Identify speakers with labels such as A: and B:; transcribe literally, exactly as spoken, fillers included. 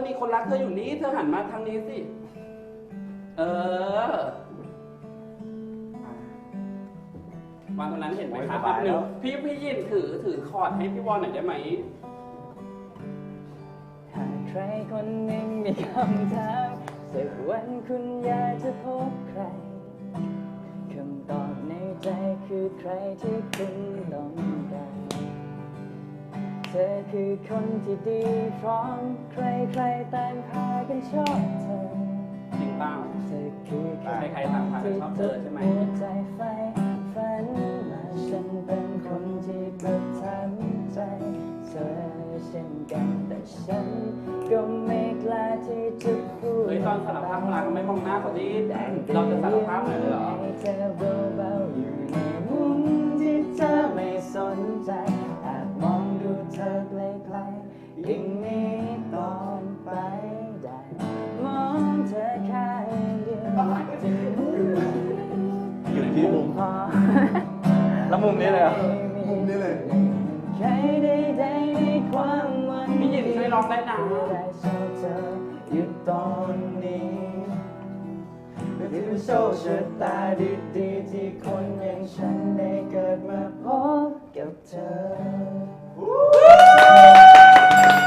A: มีคนรักเธออยู่นี่เธอหันมาทางนี้สิเออวันตรงนั้นเห็นไหมคะครับหนึ่งพี่พี่ยินถือถือคอร์ดให้พี่วอนหน่อยได้ไหม
B: หากใครคนหนึ่งมีคำถามสักวันคุณอยากจะพบใครคำตอบในใจคือใครที่คุณต้องการเธอคือคนที่ดีพร้อมใครใครต่างพากันชอบเธอ
A: จริงเปล่า
B: เธอคือใคร
A: ใครต่างพากันชอบเธอใช่ไหม
B: ใจไฟฝันมาฉันเป็นคนที่ประทับใจเธอเช่นกันแต่ฉันก็ไม่กล้าที่จะพูด
A: เฮ้ยตอนสารภาพรักไม่มองหน้าเขาดิเราจะสารภาพหน่อยเลยเหรอ
B: เธอเบาๆอยู่ในมุมที่เธอไม่สนใจแอบมองดูเธอไกลๆยิ่งนี้ตอนไปได้มองเธอแค่เดียว
C: อยู่ที่มุม
B: พอ
C: แล้วมุมนี้เลยเหรอ
B: มุมนี้เลยใครได้ได้ในความหวัง
A: พี่ยินช่วยร้องได้นะ
B: ได้ชอบเธออยู่ตอนนี้ที่เป็นโชคชะตาดี